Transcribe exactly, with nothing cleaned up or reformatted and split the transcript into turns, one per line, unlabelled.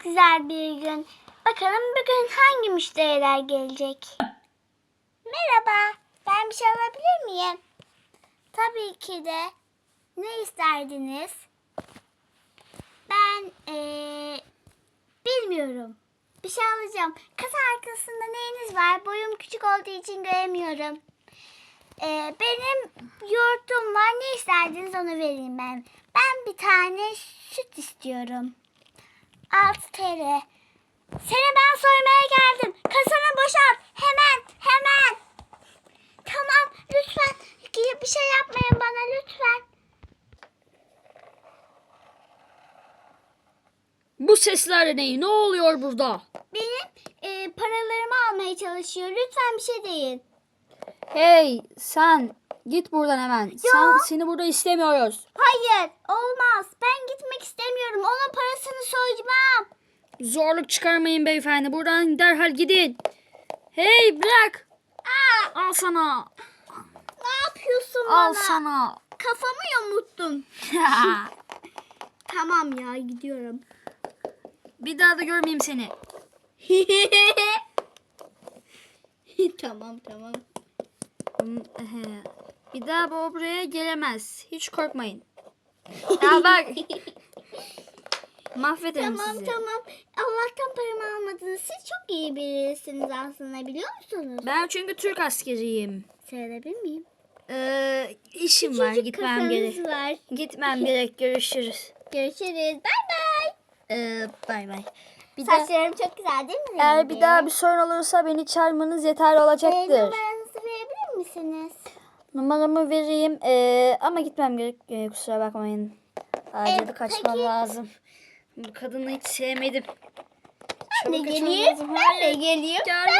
güzel bir gün. Bakalım bugün hangi müşteriler gelecek? Merhaba, ben bir şey alabilir miyim? Tabii ki de. Ne isterdiniz? Ben ee, bilmiyorum. Bir şey alacağım. Kasa arkasında neyiniz var? Boyum küçük olduğu için göremiyorum. Ee, benim yoğurtum var. Ne isterdiniz onu vereyim ben. Ben bir tane süt istiyorum. altı T L. Seni ben soymaya geldim. Kasanı boşalt. Hemen, hemen. Tamam, lütfen. Bir şey yapmayın bana lütfen.
Bu sesler ne? Ne oluyor burada?
Benim e, paralarımı almaya çalışıyor. Lütfen bir şey deyin.
Hey sen git buradan hemen. Sen, seni burada istemiyoruz.
Hayır, olmaz. Ben gitmek istemiyorum. Onun parasını soyacağım.
Zorluk çıkarmayın beyefendi. Buradan derhal gidin. Hey bırak.
Aa,
Al sana.
ne yapıyorsun
Al
bana?
sana.
Kafamı yamuttun. Tamam ya, gidiyorum.
Bir daha da görmeyeyim seni.
Tamam tamam.
Bir daha bu buraya gelemez. Hiç korkmayın. Ya bak. Mahvederim
Tamam
sizi.
tamam. Allah'tan paramı almadınız. Siz çok iyi birisiniz aslında, biliyor musunuz?
Ben çünkü Türk askeriyim.
Söyleyebilir miyim?
Ee, işim var.
Küçücük
Gitmem
kafanız
gerek.
var.
Gitmem gerek. Görüşürüz.
Görüşürüz. Bay bay.
Ee, bay bay. Bir daha,
Saçlarım çok güzel değil mi?
eğer
rengi?
bir daha bir sorun olursa beni çağırmanız yeterli
Ee,
olacaktır.
numaranızı verebilir misiniz?
Numaramı vereyim ee, ama gitmem gerek. Ee, kusura bakmayın. Acil
Ee,
kaçmam
peki.
lazım. Bu kadını hiç sevmedim.
Ben de
Çabuk kaçmam
geleyim.
lazım.
Ben de geleyim.
Gelme.